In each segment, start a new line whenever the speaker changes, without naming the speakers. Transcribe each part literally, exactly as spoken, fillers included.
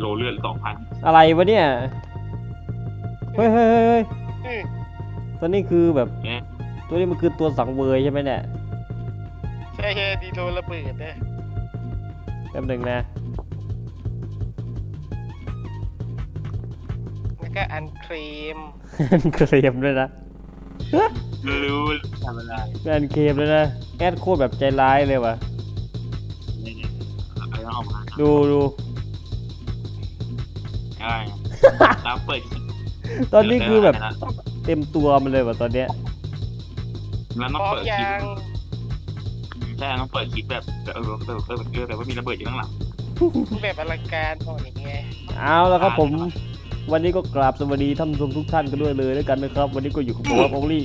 โลเลือดสองพัน
อะไรวะเนี่ยเฮ้ยเฮ้ยเฮ้ยตัวนี้คือแบบตัวนี้มันคือตัวสังเวยใช่ไหมเนี่ย
ใช่ใช่ดีโดนระเบิดนะ
แป๊บหนึ่งนะ
แล้วก็อันเคลม
อันเคลมด้วยนะ
รู้ทำอะไร
อันเคลมด้วยนะแอดโคตรแบบใจร้ายเลยว่ะดูดู
ใช่แล้วเปิด
ตอนนี้คือแบบเต็มตัวมันเลยว่ะตอนเนี้ย
แล้วต้องเปิดคลิปใช่ต้องเปิดคลิปแบบเออเออเออเออแบบว่ามีระเบิดอยู่ข้างหลัง
แบบอลังการตอนอย่างเงี้ย
เอาแล้วครับผมวันนี้ก็กราบสวัสดีท่านผู้ชมทุกท่านกันด้วยเลยด้วยกันนะครับวันนี้ก็อยู่กับผมครับโอลี่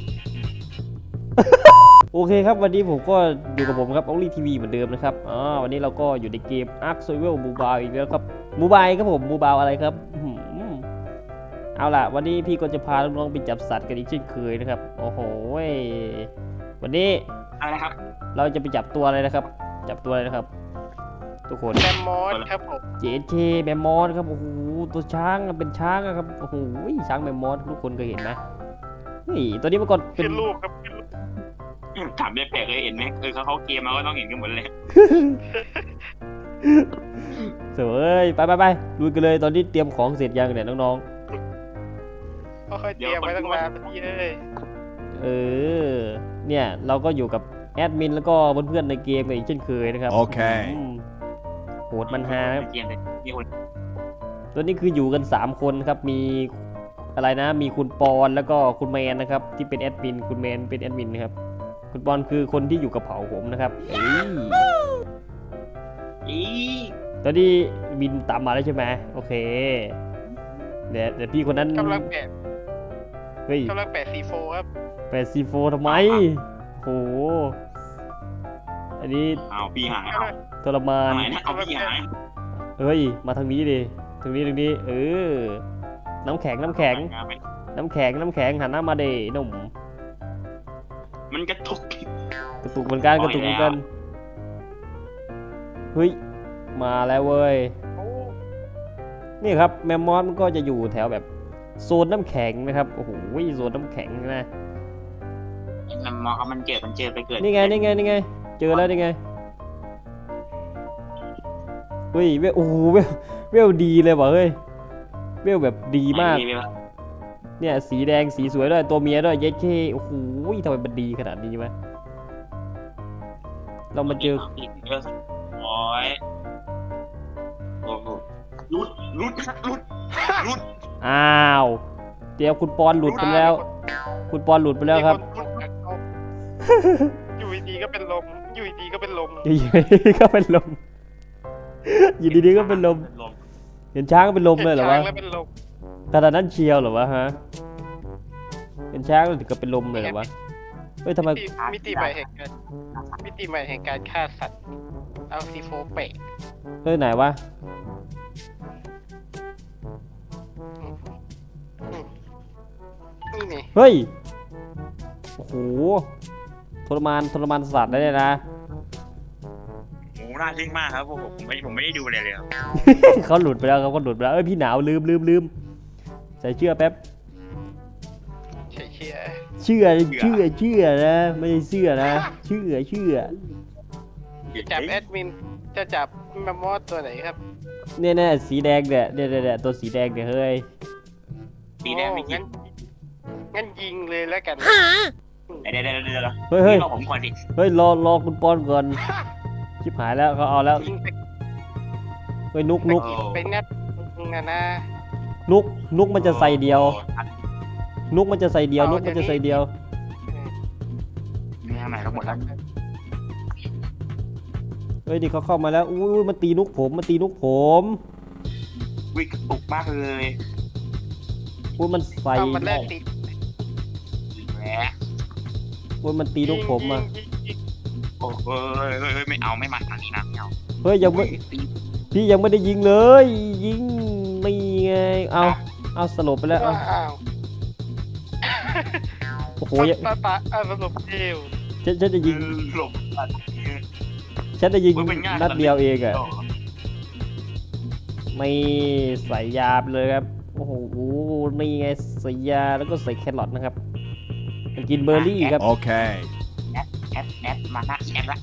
โอเคครับวันนี้ผมก็อยู่กับผมครับโอลี่ทีวีเหมือนเดิมนะครับอ๋อวันนี้เราก็อยู่ในเกม Ark Survival Mobile อีกแล้วครับโมบายครับผมโมบายอะไรครับเอาล่ะวันนี้พี่ก็จะพาน้องๆไปจับสัตว์กันอีกเช่นเคยนะครับโอ้โหวันนี้
อะไรครับ
เราจะไปจับตัวอะไรนะครับจับตัวอะไรนะครับทุกคน
แมมมอสครับผม
เจเจแมมมอสครับโอ้โหตัวช้างเป็นช้างครับโอ้โหช้างแมมมอสทุกคนเคยเห็นไหมนี่ตัวนี้เมื่อก่อน
เป็นลูกครับ
ถามแปลกๆเลยเห็นไหมเออเขาเขาเกมมาก็ต้องเห็นกันหมดเลย
เสวยไปไปไปดูกันเลยตอนนี้เตรียมของเสร็จยังเนี่ยน้อง
ๆเขาเคยเตรียมไว้ตั้งนานพี่เอ้ย
เออเนี่ยเราก็อยู่กับแอดมินแล้วก็เพื่อนๆในเกมกันอีกเช่นเคยนะครับ
โอเค
โหดมันฮาครับตัวนี้คืออยู่กันสามคนครับมีอะไรนะมีคุณปอนแล้วก็คุณแมนนะครับที่เป็นแอดมินคุณแมนเป็นแอดมินนะครับคุณปอนคือคนที่อยู่กับเผ่าผมนะครับเอ้ยตอนนี้บินตามมาแล้วใช่ไหมโอเคเดี๋ยวเดี๋ยวพี่คนนั้น
กำลังแปะ
เฮ้ย
กำลังแปะซีโฟครับ
แปะซีโฟทำไมโหอันนี้
เอาพี่หาย
ทรมาน
เอาพี่หาย
เฮ้ยมาทางนี้ดิทางนี้ทางนี้เออน้ำแข็งน้ำแข็งน้ำแข็งน้ำแข็งหันหน้ามาเดหนุ่ม
มันกระตุก
กระตุกเหมือนกันกระตุกเหมือนกันเฮ้ยมาแล้วเว้ยนี่ครับแมมมอสมันก็จะอยู่แถวแบบโซนน้ำแข็งนะครับโอ้โหโซนน้ำแข็งนะ
แมมมอสมันเจอมันเจอไปเกิด
นี่ไงนี่ไงนี่ไงเจอแล้วนี่ไงเฮ้ยเวลโอ้โหเวลเวลดีเลยว่ะเฮ้ยเวลแบบดีมากเนี่ยสีแดงสีสวยด้วยตัวเมียด้วยเย็ดเคโอ้โหทำไมมันดีขนาดนี้วะเรามาเจอ
โอ้ยโอ้โหลุดลุดลุดลุด
อ้าวเดี๋ยวคุณปอนหลุดไปแล้วคุณปอนหลุดไปแล้วครับ
อยู่ดีก็เป็นลมอยู่ดีก็เป็นลม
อยู่ดีก็เป็นลมอยู่ดีๆก็เป็นลมเห็นช้างก็เป็นลมเลยเหรอวะขนาดนั้นเชียวเหรอวะฮะเห็นช้างถึงก็เป็นลมเลยเหรอวะเฮ้ยทำไม
มิติใหม่แห่งการมิติใหม่แห่งการฆ่าสัตว์เอาซีโฟเปะ
เฮ้ยไหนวะ
นี่นี่
เฮ้ยโอ้โหทรมานทรมานสัตว์ได้เลยนะ
โอ้น่าทึ่งมากครับผมผมไม่ผมไม่ได้ดูเลยเลยครับ
เขาหลุดไปแล้วเขาก็หลุดไปแล้วเอ้ยพี่หนาวลืมลืมลืมใส่เชือกแป๊บ
ใส่เชือก
เชื่อเชื่อเชื่อนะไม่ใช่เชื่อนะเชื่อเชื่อ
จับแอดมินจะจับแมมมอสตัวไหนครับ
เนี่ยเนี่ยสีแดงเนี่ยเนี่ยเนี่ยตัวสีแดงเนี่ยเฮ้ย
สีแดงไม่ยิง
งั้นยิงเลยแล้วกัน
เดี๋ยวเดี๋ยวเดี๋ยว
เฮ้ยเฮ้ย
รอผมก่อนดิ
เฮ้ยรอรอคุณปอนก่อนชิบหายแล้วเขาเอาแล้วเฮ้ยนุกนุก
เป็นนัดนะนะ
นุกนุกมันจะใส่เดียวนุกมันจะใส่เดียวนุกมันจะใส่เดียว
นี่ทำไมเขาหมดแล้ว
เฮ้ยดิเขาเข้ามาแล้วอุ้ยมันตีนุกผมมันตีนุกผม
วิ่งกระตุกมากเลย
อุ้ยมันใส่
มันแรกติด
แหม
อุ้ยมันตีนุกผมอ่ะ
โอ้เฮ้ยเฮ้ยไม่เอาไม่มาทางนี้นะไม่เอา
เฮ้ยยังไม่พี่ยังไม่ได้ยิงเลยยิงไม่ไงเอาเอาสลบไปแล้วโอ้โห
ปะปะอ่ะสลบเดียว
ฉันฉันจะยิง
หลบ
ฉันจะยิงนัดเดียวเองอะไม่ใส่ยาไปเลยครับโอ้โหนี่ไงใส่ยาแล้วก็ใส่แครอทนะครับมันกินเบอร์รี่ครับ
Okay.
แอดแอดแอดมาหน้าแอดละ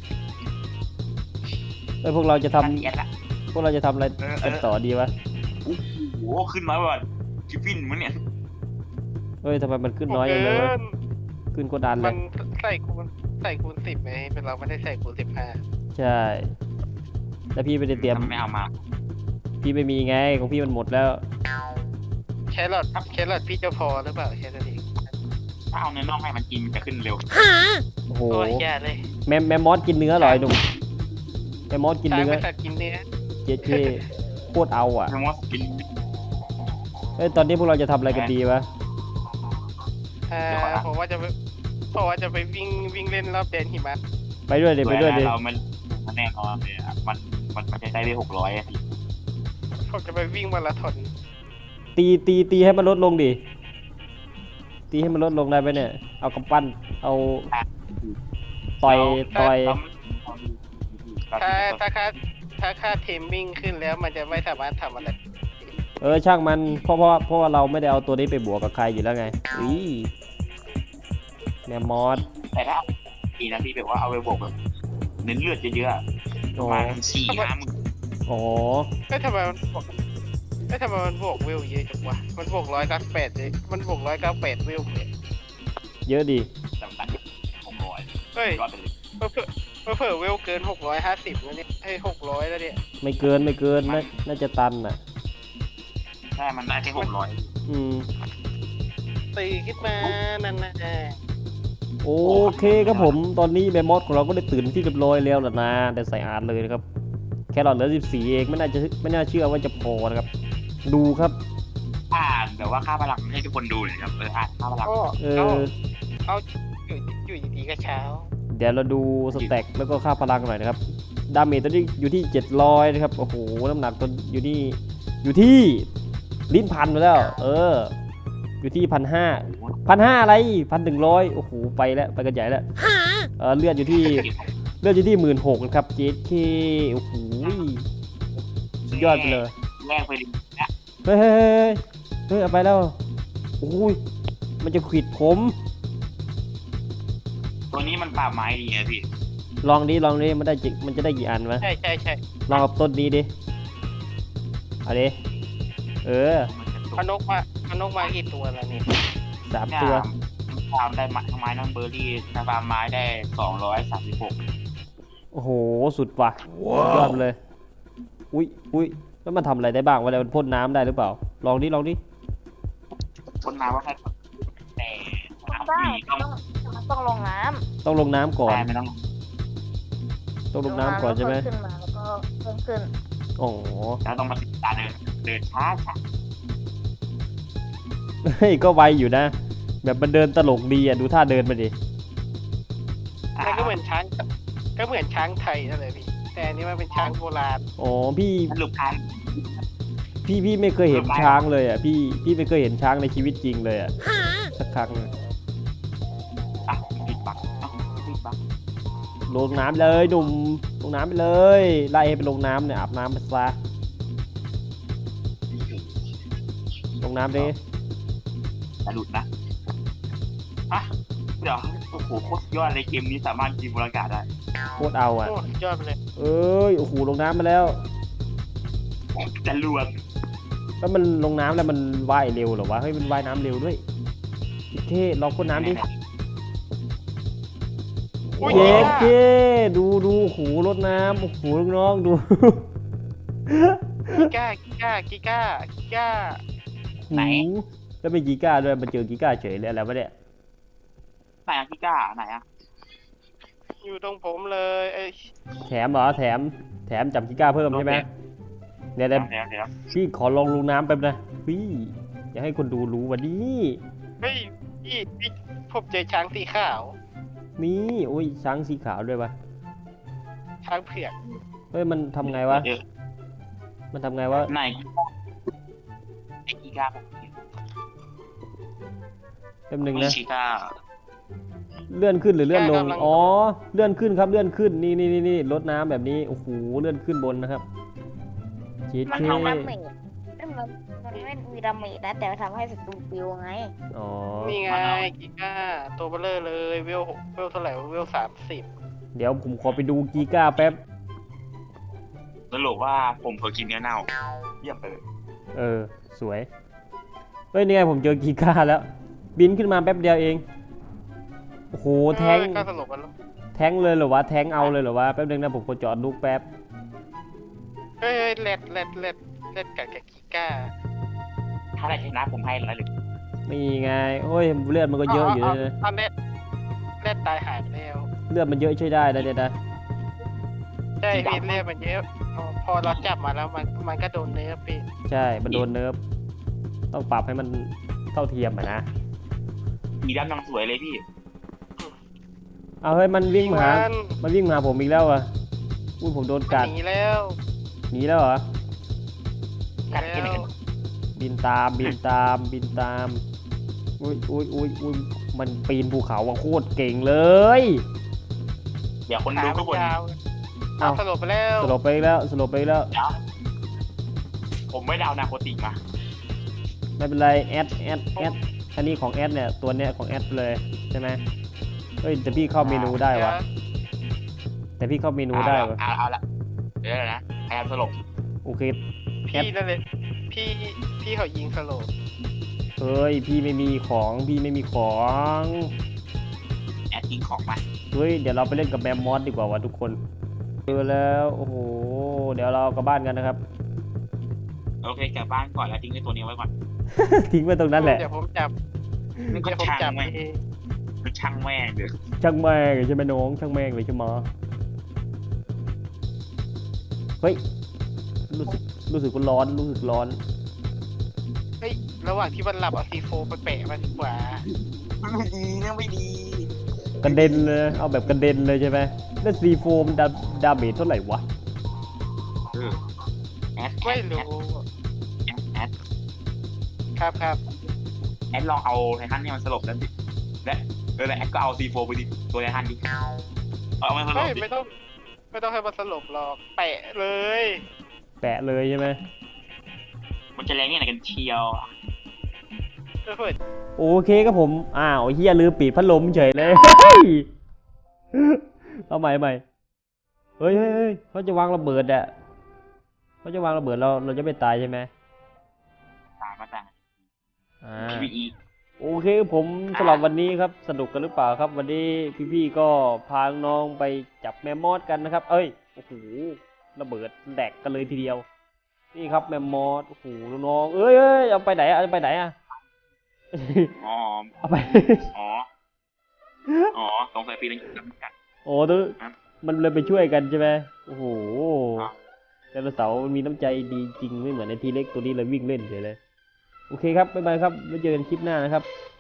เอ้ยพวกเราจะทำ
แอดละ
พวกเราจะทำอะไรกันต่อดีวะ
โอ้โหขึ้นมาว่าชิปปิ้นมั้งเนี่ย
เฮ้ยทำไมมันขึ้นน้อยอย่าง
เกิ
เลยวะ
น
ขึ้นกดดันเล
มั
ย
นใส่คูณใส่คูณสิบไหมเป็นเราไม่ได้ใส่คูณสิบห้า
ใช่แล้วพี่ไม่ได้เตรียม
ทำไม่เอามา
พี่ไม่มีไงของพี่มันหมดแล้ว
แครอทแครอทพี่จะพอหรือเปล่าแค่นั้นเอง
ถ้าเอาเนื้อน่องให้มันกินจะขึ้นเร็ว
โอ้โห
โอ้ยแย่เลย
แมมแมมมอสกินเนื้อเหรอไอ้หนุ่มแมมมอสกิน
ช้าง
เนื้อ
เป็นสัตว์กินเนื้อ
เจ๊เจโคตรเอาอ่ะ
เนื้อมอสกิน
เอ้ยตอนนี้พวกเราจะทำอะไรกันดีวะ
อ่าผมว่าจะไปผมว่าจะไปวิ่งวิ่งเล่นรอบแดนหิมะ
ไปด้วยเดี๋ยวไปด้วยเดี๋ยว
เรามันมันแน่นอนเลยอะมันมันมันจะได้ไปหกร้อยอะ
ผมจะไปวิ่งมาราธอน
ตีตีตีให้มันลดลงดิตีให้มันลดลงได้ไหมเนี่ยเอากำปั้นเอาต่อยต่อย
ถ้าถ้าค่าถ้าค่าเทมมิ่งขึ้นแล้วมันจะไม่สามารถทำอะไร
เออช่างมันเพราะเพราะเพราะว่าเราไม่ได้เอาตัวนี้ไปบวกกับใครอยู่แล้วไงอีแมมมอส
แต่ถ้าดีนะพี่แบบว่าเอาไปบวกแบบเน้นเลือดเยอะๆอะประมาณสี่ห้าหมื่น
อ๋อ
เอ้ยทำไมมันบวกเอ้ยทำไมมันบวกเวลเยอะจังวะมันบวกร้อยเก้าแปดเลยมันบวกร้อยเก้าแปดเวลเลย
เยอะดี
จำกัดหกร้อย
เฮ้ย
ก็เป็นเลย
เพิ่มเพิ่มเพิ่มเวลเกินหกร้อยห้าสิบแล้วเนี่ยเฮ้ยหกร้อยแล้วเนี่ย
ไม่เกินไม่เกินน่าน่าจะตันอ่ะ
ใช่มันได้แค่หกร้อย
อืม
ตีขึ้นมานั่นนะ
โอเคครับผมตอนนี้แมมมอสของเราก็ได้ตื่นที่เรียบร้อยแล้วล่ะนะแต่ใส่อ่านเลยนะครับแครอทเหลือสิบสี่เองไม่น่าจะไม่น่าเชื่อว่าจะพอนะครับดูครับ
อ่านแบบว่าค่าพลังให้ทุกคนดูเลยครับเอออ่านค่าพลัง
ก็
เอ
ก็
อ
เอาอยู่อยู่ดีๆก็เช้า
เดี๋ยวเราดูสแต็กแล้วก็ค่าพลังหน่อยนะครับดาเมจตอนนี้อยู่ที่เจ็ดร้อยนะครับโอ้โหน้ำหนักตอนอยู่ที่อยู่ที่ลิ้นพันไปแล้ว เออ อยู่ที่พันห้าพันห้าอะไรพันหนึ่งร้อยโอ้โหไปแล้วไปกันใหญ่แล้วเออเลือดอยู่ที่เลือดอยู่ที่หมื่นหกนะครับเจเคโอ้โหสุดยอดไปเลย
แรกไปเลยนะ
เฮ้ยเฮ้ยเฮ้ยเฮ้ยเอาไปแล้วโอ้ยมันจะขวิดผม
ตัวนี้มันปราบไม้ดีไงพี่
ลองดิลองดิมันได้จิมันจะได้กี่อันวะ
ใช่ใช่ใช่
ลองกับต้นนี้ดิเอาดิเออ
พนกมาพนกมากี่ตัวแล้วเนี่ย
สามตัว
ฟาร์มได้ไม้ไม้น้องเบอร์รี่ถ้าฟาร์มไม้ได้สองร้อยสามสิบหก
โอ้โหสุดว่ะสุดยอดไปเลย อุ้ยอุ้ยแล้วมันทำอะไรได้บ้างวะเนี่ยมันพ่นน้ำได้หรือเปล่า ลองดิลองดิ
คนมาว่าแค่แต่น้ำ
ได้
ฟรีต้อง
ต้องมันต้องลงน้
ต้องลงน้ำก่อน
แต่ไม่ต้อง
ต้อง
ำ
ลงน้ำก่อนใช่ไหม
แล้วขึ้นมาแล้วก็เพิ่มขึ้น
อ๋อ
แล้วต้องมาติดตาเดินเดินช้าช้า
เฮ้ยก็ไวอยู่นะ แบบมันเดินตลกดีอ่ะดูท่าเดินมาดิ
มันก็เหมือนช้างก็เหมือนช้างไทยนั่นแหละพี่แต่อันนี้มันเป็นช้างโบราณ
อ๋อพี่
สรุปการ
พี่พี่ไม่เคยเห็นช้างเลยอ่ะพี่พี่ไม่เคยเห็นช้างในชีวิตจริงเลยอ่ะสักครั้งเลย
อ่ะปิดบักอ่ะปิดบัก
ลงน้ำเลยหนุ่มลงน้ำไปเลยไล่ให้ไปลงน้ำเนี่ยอาบน้ำไปซะลงน้ำดิ
อย่าหลุดนะอ่ะเดี๋ยวโอ้โหโคตรยอดเลยเกมนี้สามารถกินบรรยากาศได้
โคตรเอาอ่ะ
โอ้สุดยอดไปเลย
เอ้ยโอ้โหลงน้ำมาแล้ว
จะรวม
แล้วมันลงน้ำแล้วมันว่ายเร็วเหรอวะเฮ้ยมันว่ายน้ำเร็วด้วยโอเคลองพ่นน้ำดิ
อุ้ย
เย้
กี
เจดูดูโอ้โหรดน้ำโอ้โหน้องๆดู
ก้ากีก้ากีก้ากีก้า
ไหนแล้วเป็นกีก้าด้วยมันเจอกีก้าเฉยเลยอะไรวะเนี่ย
ไหนอะพี่ก้าไหนอะ
อยู่ตรงผมเลยเอ้ย
แถมเหรอแถมแถมจับกีก้าเพิ่มใช่ไหมเดี๋ยว
เดี๋
เดี๋
ย
ยว ว
เดี๋ยวเดี๋ยว
พี่ขอลองลงน้ำแป๊บนะพี่อยากให้คนดูรู้วันนี้
เฮ้ยพี่พี่ผมเจอช้างสีขาว
นี่โอ้ยช้างสีขาวด้วยปะ
ช้างเผือก
เฮ้ยมันทำไงวะ
เดี๋ยว
มันทำไงวะ
ไหนไอ้กีก้า
แป๊บหนึง
ไม่
นะ
ชีก้า
เลื่อนขึ้นหรือเลื่อนลงอ๋อเลื่อนขึ้นครับเลื่อนขึ้นนี่นี่นี่นี่ลดน้ำแบบนี้โอ้โหเลื่อนขึ้นบนนะครับคิด
มัน
แค่
ทำดาเมจซึ่งมันมันไม่มีดาเมจนะแต่ทำให้ศัตรูปิวไง
อ๋อ
นี่ไงกีก้าตัวเบลเลอร์เลยเวลเวลเท่าไหร่เวลสามสิบ
เดี๋ยวผมขอไปดูกีก้าแป๊บ
สรุปว่าผมเผลอกินเนื้อเน่าเยี่ยมไปเลย
เออ สวย เฮ้ยนี่ไงผมเจอกีก้าแล้ว บินขึ้นมาแป๊บเดียวเอง โอ้โห แทง
ก็สรุปกันแล้ว
แทงเลยเหรอวะ แทงเอาเลยเหรอวะ แป๊บนึงนะผมขอจอดลูกแป๊บ
เฮ้ยเล็ดเล็ดเล็ดเล็ดกัดกับกีก้า
ถ้าได้ชนะผมให้ร้อยหนึ่ง
นี่ไง โอ้ย เลือดมันก็เยอะอยู่นะ
ตอนเล็ดเล็ดตายหายไปแล้ว
เลือดมันเยอะช่วยได้นะเดี๋ยวนะ
ใช่พี่เลือดมันเยอะพอเราจับมาแล้วมันมันก็โดนเนื้อพี่
ใช่ มันโดนเนิร์ฟต้องปรับให้มันเท่าเทียมอะนะ
มีด้านนางสวยเลยพี่
เอาเฮ้ย มันวิ่งมาหา
มัน
มันวิ่งมาหาผมอีกแล้วอ่ะอุ้ยผมโดนกัด
หนีแล้ว
หนีแล้วเหรอ
กัดแค่ไหน
แล้ว
กัน
บินตาม บินตาม บินตาม อุ้ยอุ้ยอุ้ยอุ้ยมันปีนภูเขาอะโคตรเก่งเลย
เดี๋ยวคน
ขา
ดู
มั
ทุ
น
กคน
ยาว
เอ้า
สลบไปแล้ว
สลบไปอีกแล้ว สลบไปอีกแล้ว
เดี๋ยวผมไม่ได้เอานาโคติกมา
ไม่เป็นไร แอด แอด แอด อันนี้ของแอดเนี่ย ตัวเนี้ยของแอดเลยใช่ไหมเฮ้ยแต่พี่เข้าเมนูได้วะ แต่พี่เข้าเมนูได้วะ
เอาเอาละเดี๋ยวนะพยายามสลบ
โอเค
พี่นั่นเลยพี่พี่เขายิงสลบ
เฮ้ย พี่ไม่มีของ พี่ไม่มีของ
แอดทิ้งของมา
เฮ้ย เดี๋ยวเราไปเล่นกับแมมมอสดีกว่าวะทุกคนเจอแล้ว โอ้โห เดี๋ยวเรากลับบ้านกันนะครับ
โอเคกลับบ้านก่อนแล้วทิ้งไอ้ตัวนี้ไว้ก่อน
ทิ้งไว้ตรงนั้นแหละ
เดี๋ยวผมจับ
นี่ก็
เดี๋ยวผม
ช่าง
จับ
แม่ง
เอง
คือช่างแม่งเดือด
ช่างแม่งเลยใช่ไหมน้อง ช่างแม่งเลยใช่ไหมเฮ้ย รู้สึก รู้สึกว่าร้อน รู้สึกร้อน
เฮ้ยระหว่างที่มันหลับเอาซีโฟไปแปะมันดีกว่า
ไม่ดีเรื่องไม่ดี
กระเด็นเลย เอาแบบกระเด็นเลยใช่ไหมแล้วซีโฟมนดาดาเมจเท่าไหร่วะ
เออแอดแอ
ไม่
ด
รู้
แอดแอด
ครับครับ
แอดลองเอาไททันเนี่ยมันสลบแล้วดิและเออแล้วแอดก็เอาซีโฟไปดิตัวไททันดิเอามันสล
เฮ้
บ
ย
ดิ
ไม่ต้องไม่ต้องให้มันสลบหรอกแปะเลย
แปะเลยใช่ไหม
มันจะแรงเนี่ยไหนกันเชียว
เฮ้ย
โอเคครับผม อ้าวเฮียลืมปิดพัดลมเฉยเลย เฮ้ยเอาใหม่ใหม่เฮ้ยเฮ้ยเฮ้ยเขาจะวางระเบิดอะเขาจะวางระเบิดเราเราจะไม่ตายใช่ไหม
ตายมาต่าง
อ่า
พีวีอี
โอเคผมสำหรับวันนี้ครับสนุกกันหรือเปล่าครับ วันนี้พี่ๆก็พาน้องไปจับแมมมอสกันนะครับ เอ้ยโอ้โหระเบิดแดกกันเลยทีเดียว นี่ครับแมมมอสโอ้โหน้องๆเอ้ยเอ้ยเอาไปไหนอะเอาไปไหนอะ
อ๋อ
เอาไป
อ๋ออ๋อสงสัยปีนั้นอยู่กับกัน
โอ้ตัวมันเลยไปช่วยกันใช่ไหมโอ้โห
ครับ
ไดโนเสาร์มันมีน้ำใจดีจริงไม่เหมือนในทีเล็กตัวนี้เลยวิ่งเล่นเฉยเลย โอเคครับบ๊ายบายครับไว้เจอกันคลิปหน้านะครับ